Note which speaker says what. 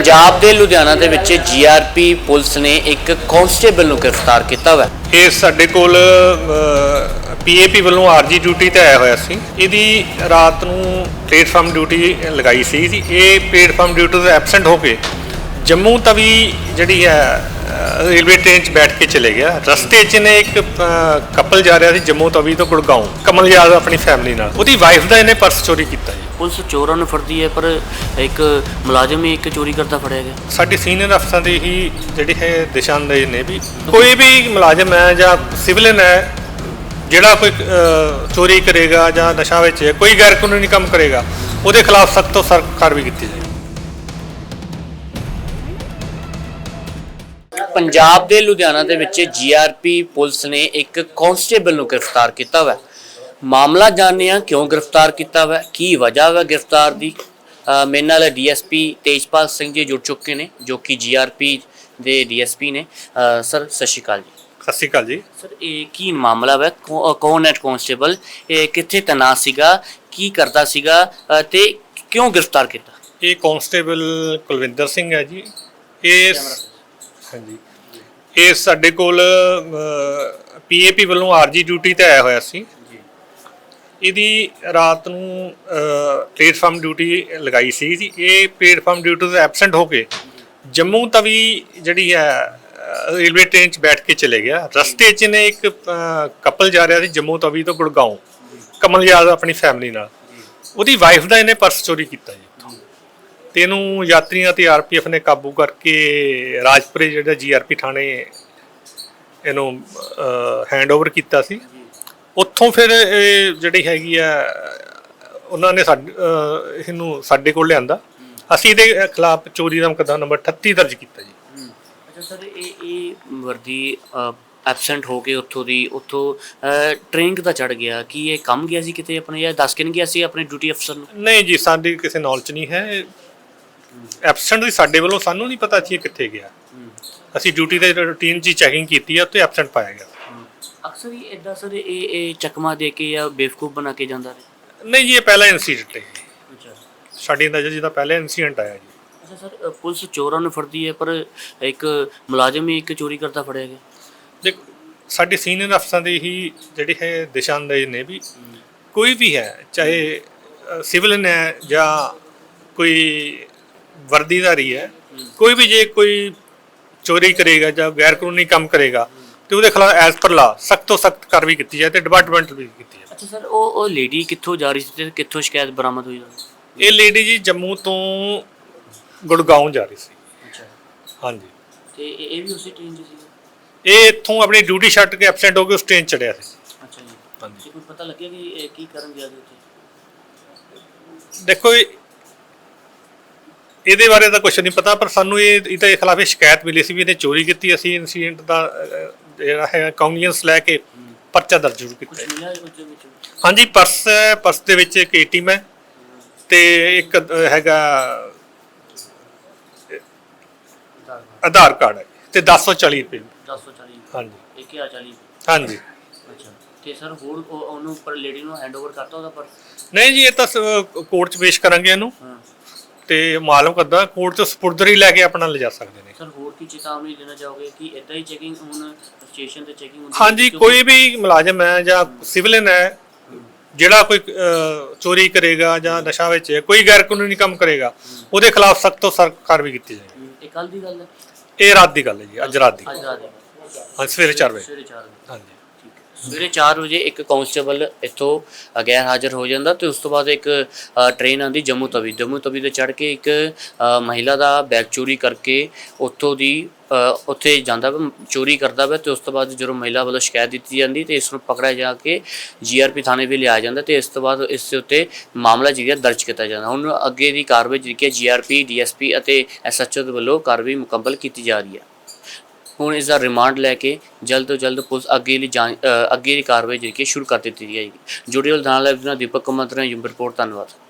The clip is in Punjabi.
Speaker 1: पंजाब के लुधियाना ਦੇ ਵਿੱਚ जीआरपी पुलिस ने एक कांस्टेबल ਨੂੰ गिरफ्तार किया हुआ है।
Speaker 2: ਇਹ ਸਾਡੇ ਕੋਲ ਪੀਏਪੀ ਵੱਲੋਂ ਆਰਜੀ ਡਿਊਟੀ ਤੇ ਆਇਆ ਹੋਇਆ ਸੀ। ਇਹਦੀ ਰਾਤ ਨੂੰ ਪਲੇਟਫਾਰਮ ਡਿਊਟੀ ਲਗਾਈ ਸੀ ਜੀ। ਇਹ ਪਲੇਟਫਾਰਮ ਡਿਊਟੀ ਤੋਂ ਐਬਸੈਂਟ ਹੋ ਕੇ ਜੰਮੂ ਤਵੀ ਜਿਹੜੀ ਹੈ रेलवे ट्रेन बैठ के चले गया। रस्ते च ने एक कपल जा रहा ਸੀ जम्मू तवी तो गुड़गांव कमल यादव अपनी फैमिली नाल ਉਹਦੀ ਵਾਈਫ ਦਾ ਇਹਨੇ ਪਰਸ ਚੋਰੀ ਕੀਤਾ ਜੀ।
Speaker 1: ਪੁਲਿਸ ਚੋਰਾਂ ਨੂੰ ਫੜਦੀ ਹੈ ਪਰ ਇੱਕ ਮੁਲਾਜ਼ਮ ਹੀ ਇੱਕ ਚੋਰੀ ਕਰਦਾ ਫੜਿਆ ਗਿਆ।
Speaker 2: ਸਾਡੀ ਸੀਨੀਅਰ ਅਫਸਰਾਂ ਦੀ ਹੀ ਜਿਹੜੀ ਹੈ ਦਿਸ਼ਾ ਨਿਰਦੇਸ਼ ਨੇ ਵੀ ਕੋਈ ਵੀ ਮੁਲਾਜ਼ਮ ਹੈ ਜਾਂ ਸਿਵਲਨ ਹੈ ਜਿਹੜਾ ਕੋਈ ਚੋਰੀ ਕਰੇਗਾ ਜਾਂ ਨਸ਼ਾ ਵਿੱਚ ਕੋਈ ਗੈਰ ਕਾਨੂੰਨੀ ਕੰਮ ਕਰੇਗਾ ਉਹਦੇ ਖਿਲਾਫ ਸਖਤ ਤੋਂ ਸਖਤ ਕਾਰਵਾਈ ਕੀਤੀ ਜਾਏ।
Speaker 1: पंजाब के लुधियाना ਦੇ ਵਿੱਚ जीआरपी पुलिस ने एक कांस्टेबल ਨੂੰ गिरफ्तार किया हुआ है। मामला जानने क्यों गिरफ्तार किया हुआ है, की वजह है गिरफ्तार की। मेरे नाल DSP तेजपाल सिंह जी जुड़ चुके हैं जो कि GRP ਦੇ DSP ने। सर सत श्री अकाल जी।
Speaker 2: ਸਤਿ ਸ਼੍ਰੀ ਅਕਾਲ ਜੀ।
Speaker 1: सर ये की मामला है, कौन है कांस्टेबल, कित्थे तैनात सीगा, की करता सीगा ते क्यों गिरफ्तार किया।
Speaker 2: ਇਹ ਕਾਂਸਟੇਬਲ ਕੁਲਵਿੰਦਰ ਸਿੰਘ ਹੈ ਜੀ। ਇਹ ਹਾਂਜੀ ਇਹ ਸਾਡੇ ਕੋਲ ਪੀਏਪੀ ਵੱਲੋਂ ਆਰਜੀ ਡਿਊਟੀ ਤੇ ਆਇਆ ਹੋਇਆ ਸੀ। ਇਹਦੀ ਰਾਤ ਨੂੰ ਪਲੇਟਫਾਰਮ ਡਿਊਟੀ ਲਗਾਈ ਸੀ ਜੀ। ਇਹ ਪਲੇਟਫਾਰਮ ਡਿਊਟੀ ਤੋਂ ਐਬਸੈਂਟ ਹੋ ਕੇ ਜੰਮੂ ਤਵੀ ਜਿਹੜੀ ਹੈ ਰੇਲਵੇ ਟ੍ਰੇਨ 'ਚ ਬੈਠ ਕੇ ਚਲੇ ਗਿਆ। ਰਸਤੇ 'ਚ ਨੇ ਇੱਕ ਕਪਲ ਜਾ ਰਿਹਾ ਸੀ ਜੰਮੂ ਤਵੀ ਤੋਂ ਗੁੜਗਾਉਂ ਕਮਲ ਯਾਦਵ ਆਪਣੀ ਫੈਮਿਲੀ ਨਾਲ। ਉਹਦੀ ਵਾਈਫ ਦਾ ਇਹਨੇ ਪਰਸ ਚੋਰੀ ਕੀਤਾ ਜੀ। ਤੇ ਇਹਨੂੰ ਯਾਤਰੀਆਂ ਤੇ ਆਰਪੀਐਫ ਨੇ ਕਾਬੂ ਕਰਕੇ ਰਾਜਪੁਰੇ ਜਿਹੜਾ ਜੀਆਰਪੀ ਥਾਣੇ ਇਹਨੂੰ ਹੈਂਡਓਵਰ ਕੀਤਾ ਸੀ। ਉੱਥੋਂ ਫਿਰ ਇਹ ਜਿਹੜੀ ਹੈਗੀ ਆ ਉਹਨਾਂ ਨੇ ਇਹਨੂੰ ਸਾਡੇ ਕੋਲ ਲਿਆਂਦਾ। ਅਸੀਂ ਇਹਦੇ ਖਿਲਾਫ ਚੋਰੀ ਦਾ ਮੁਕੱਦਮਾ ਨੰਬਰ 38 ਦਰਜ ਕੀਤਾ ਜੀ।
Speaker 1: ਅੱਛਾ ਸਰ ਇਹ ਵਰਦੀ ਐਬਸੈਂਟ ਹੋ ਕੇ ਉੱਥੋਂ ਟ੍ਰੇਨ ਕਿੱਦਾਂ ਚੜ ਗਿਆ, ਕੀ ਇਹ ਕੰਮ ਗਿਆ ਸੀ ਕਿਤੇ ਆਪਣੇ ਜਾਂ ਦੱਸ ਕੇ ਨਹੀਂ ਗਿਆ ਸੀ ਆਪਣੇ ਡਿਊਟੀ ਅਫਸਰ ਨੂੰ।
Speaker 2: ਨਹੀਂ ਜੀ ਸਾਡੀ ਕਿਸੇ ਨੌਲੇਜ ਨਹੀਂ ਹੈ। ਐਬਸੈਂਟ ਦੀ ਸਾਡੇ ਵੱਲੋਂ ਸਾਨੂੰ ਨਹੀਂ ਪਤਾ ਸੀ ਇਹ ਕਿੱਥੇ ਗਿਆ। ਅਸੀਂ ਡਿਊਟੀ ਦੇ ਰੂਟੀਨ 'ਚ ਚੈਕਿੰਗ ਕੀਤੀ ਆ ਤੇ ਐਬਸੈਂਟ ਪਾਇਆ ਗਿਆ।
Speaker 1: ਅਕਸਰ ਹੀ ਇਦਾਂ ਸਰ ਇਹ ਚੱਕਮਾ ਦੇ ਕੇ ਜਾਂ ਬੇਵਕੂਫ ਬਣਾ ਕੇ ਜਾਂਦਾ ਰਹੇ।
Speaker 2: ਨਹੀਂ ਜੀ ਇਹ ਪਹਿਲਾ ਇਨਸੀਡੈਂਟ ਹੈ।
Speaker 1: ਅੱਛਾ
Speaker 2: ਸਾਡੀ ਨਜ਼ਰ ਜਿਹਦਾ ਪਹਿਲਾ ਇਨਸੀਡੈਂਟ ਆਇਆ ਜੀ।
Speaker 1: ਅੱਛਾ ਸਰ ਪੁਲਿਸ ਚੋਰਾਂ ਨੂੰ ਫੜਦੀ ਹੈ ਪਰ ਇੱਕ ਮੁਲਾਜ਼ਮ ਹੀ ਇੱਕ ਚੋਰੀ ਕਰਦਾ ਫੜਿਆ ਗਿਆ।
Speaker 2: ਦੇਖ ਸਾਡੀ ਸੀਨੀਅਰ ਅਫਸਰਾਂ ਦੀ ਹੀ ਜਿਹੜੀ ਹੈ ਦਿਸ਼ਾ ਨਿਰਦੇਸ਼ ਨੇ ਵੀ ਕੋਈ ਵੀ ਹੈ ਚਾਹੇ ਸਿਵਲਨ ਹੈ ਜਾਂ ਕੋਈ ਵਰਦੀਧਾਰੀ ਹੈ ਕੋਈ ਵੀ ਜੇ ਕੋਈ ਚੋਰੀ ਕਰੇਗਾ ਜਾਂ ਗੈਰ ਕਾਨੂੰਨੀ ਕੰਮ ਕਰੇਗਾ ਤੇ ਉਹਦੇ ਖਿਲਾਫ ਐਜ਼ ਪਰ ਲਾ ਸਖਤ ਤੋਂ ਸਖਤ ਕਾਰਵਾਈ ਕੀਤੀ ਜਾਏ ਤੇ ਡਿਪਾਰਟਮੈਂਟ ਵੀ ਕੀਤੀ ਜਾਏ।
Speaker 1: ਅੱਛਾ ਸਰ ਉਹ ਲੇਡੀ ਕਿੱਥੋਂ ਜਾ ਰਹੀ ਸੀ ਤੇ ਕਿੱਥੋਂ ਸ਼ਿਕਾਇਤ ਬਰਾਮਦ ਹੋਈ?
Speaker 2: ਇਹ ਲੇਡੀ ਜੀ ਜੰਮੂ ਤੋਂ ਗੁੜਗਾਉਂ ਜਾ ਰਹੀ ਸੀ।
Speaker 1: ਅੱਛਾ
Speaker 2: ਹਾਂਜੀ
Speaker 1: ਤੇ ਇਹ ਵੀ ਉਸੇ ਟ੍ਰੇਨ 'ਚ ਸੀ?
Speaker 2: ਇਹ ਇੱਥੋਂ ਆਪਣੀ ਡਿਊਟੀ ਛੱਡ ਕੇ ਐਬਸੈਂਟ ਹੋ ਕੇ ਉਸ ਟ੍ਰੇਨ ਚੜਿਆ ਸੀ।
Speaker 1: ਅੱਛਾ ਜੀ।
Speaker 2: ਹਾਂਜੀ
Speaker 1: ਕੋਈ ਪਤਾ ਲੱਗਿਆ ਕਿ ਇਹ ਕੀ ਕਰਨ ਗਿਆ ਸੀ ਉੱਥੇ?
Speaker 2: ਦੇਖੋ ਇਹਦੇ ਬਾਰੇ ਤਾਂ ਕੁਝ ਨਹੀਂ ਪਤਾ ਪਰ ਸਾਨੂੰ ਇਹਦੇ ਖਿਲਾਫ ਸ਼ਿਕਾਇਤ ਮਿਲੀ ਸੀ ਵੀ ਇਹਨੇ ਚੋਰੀ ਕੀਤੀ। ਅਸੀਂ ਇਨਸੀਡੈਂਟ ਦਾ ਜਿਹੜਾ ਹੈ ਕਾਗਨੀਅੰਸ ਲੈ ਕੇ ਪਰਚਾ ਦਰਜ ਜ਼ਰੂਰ ਕੀਤਾ। ਹਾਂਜੀ ਪਰਸ ਦੇ ਵਿੱਚ ਇੱਕ ATM ਹੈ ਤੇ ਇੱਕ ਹੈਗਾ ਆਧਾਰ ਕਾਰਡ ਹੈ ਤੇ 1040 ਰੁਪਏ।
Speaker 1: 1040
Speaker 2: ਹਾਂਜੀ
Speaker 1: 1040
Speaker 2: ਹਾਂਜੀ।
Speaker 1: ਅੱਛਾ ਤੇ ਸਰ ਹੋਰ ਉਹਨੂੰ ਪਰ ਲੇਡੀ ਨੂੰ ਹੈਂਡਓਵਰ ਕਰਤਾ ਉਹਦਾ ਪਰਸ?
Speaker 2: ਨਹੀਂ ਜੀ ਇਹ ਤਾਂ ਕੋਰਟ 'ਚ ਪੇਸ਼ ਕਰਾਂਗੇ ਇਹਨੂੰ ਤੇ ਮਾਲੂਮ ਕਰਦਾ ਕੋਰਟ 'ਚ ਸਪੁਰਦਰੀ ਲੈ ਕੇ ਆਪਣਾ ਲਿਜਾ ਸਕਦੇ ਨੇ।
Speaker 1: ਸਰ ਹੋਰ ਕੀ ਚੇਤਾਵਨੀ ਦੇਣਾ ਚਾਹੋਗੇ ਕਿ ਇਦਾਂ ਹੀ ਚੈਕਿੰਗ ਹੁਣ ਸਟੇਸ਼ਨ ਤੇ ਚੈਕਿੰਗ ਹੁੰਦੀ?
Speaker 2: ਹਾਂਜੀ ਕੋਈ ਵੀ ਮੁਲਾਜ਼ਮ ਹੈ ਜਾਂ ਸਿਵਲਨ ਹੈ ਜਿਹੜਾ ਕੋਈ ਚੋਰੀ ਕਰੇਗਾ ਜਾਂ ਨਸ਼ਾ ਵਿੱਚ ਕੋਈ ਗੈਰ ਕਾਨੂੰਨੀ ਕੰਮ ਕਰੇਗਾ ਉਹਦੇ ਖਿਲਾਫ ਸਖਤ ਤੋਂ ਸਖਤ ਕਾਰਵਾਈ ਕੀਤੀ ਜਾਏ।
Speaker 1: ਇਹ ਕੱਲ ਦੀ ਗੱਲ ਹੈ?
Speaker 2: ਇਹ ਰਾਤ ਦੀ ਗੱਲ ਹੈ ਜੀ। ਅੱਜ ਰਾਤ ਦੀ।
Speaker 1: ਅੱਜ ਰਾਤ ਦੀ।
Speaker 2: ਹਾਂ ਸਵੇਰੇ 4 ਵਜੇ।
Speaker 1: ਸਵੇਰੇ 4 ਵਜੇ।
Speaker 2: ਹਾਂਜੀ
Speaker 1: ਸਵੇਰੇ 4 ਵਜੇ ਇੱਕ ਕਾਂਸਟੇਬਲ ਇੱਥੋਂ ਗੈਰ ਹਾਜ਼ਰ ਹੋ ਜਾਂਦਾ ਤੇ ਉਸ ਤੋਂ ਬਾਅਦ ਇੱਕ ਟ੍ਰੇਨ ਆਉਂਦੀ ਜੰਮੂ ਤਵੀ ਤੇ ਚੜ੍ਹ ਕੇ ਇੱਕ ਮਹਿਲਾ ਦਾ ਬੈਗ ਚੋਰੀ ਕਰਕੇ ਉੱਥੇ ਜਾਂਦਾ ਚੋਰੀ ਕਰਦਾ ਵਾ ਤੇ ਉਸ ਤੋਂ ਬਾਅਦ ਜਦੋਂ ਮਹਿਲਾ ਵੱਲੋਂ ਸ਼ਿਕਾਇਤ ਦਿੱਤੀ ਜਾਂਦੀ ਤੇ ਇਸ ਨੂੰ ਪਕੜਿਆ ਜਾ ਕੇ GRP ਥਾਣੇ ਵੀ ਲਿਆ ਜਾਂਦਾ ਤੇ ਇਸ ਤੋਂ ਬਾਅਦ ਇਸ ਦੇ ਉੱਤੇ ਮਾਮਲਾ ਜਿਹੜਾ ਦਰਜ ਕੀਤਾ ਜਾਂਦਾ। ਹੁਣ ਅੱਗੇ ਦੀ ਕਾਰਵਾਈ ਜਿਹੜੀ ਕਿ GRP DSP ਅਤੇ SHO ਦੇ ਵੱਲੋਂ ਕਾਰਵਾਈ ਮੁਕੰਮਲ ਕੀਤੀ ਜਾ ਰਹੀ ਹੈ। ਹੁਣ ਇਸ ਦਾ ਰਿਮਾਂਡ ਲੈ ਕੇ ਜਲਦ ਤੋਂ ਜਲਦ ਪੁਲਿਸ ਅੱਗੇ ਦੀ ਕਾਰਵਾਈ ਜਿਹੜੀ ਕਿ ਸ਼ੁਰੂ ਕਰ ਦਿੱਤੀ ਜਾਏਗੀ। ਜੁੜੇ ਹੋਏ ਨਾਲ ਦੀਪਕ ਕੁਮਾਰ ਰਿਪੋਰਟ। ਧੰਨਵਾਦ।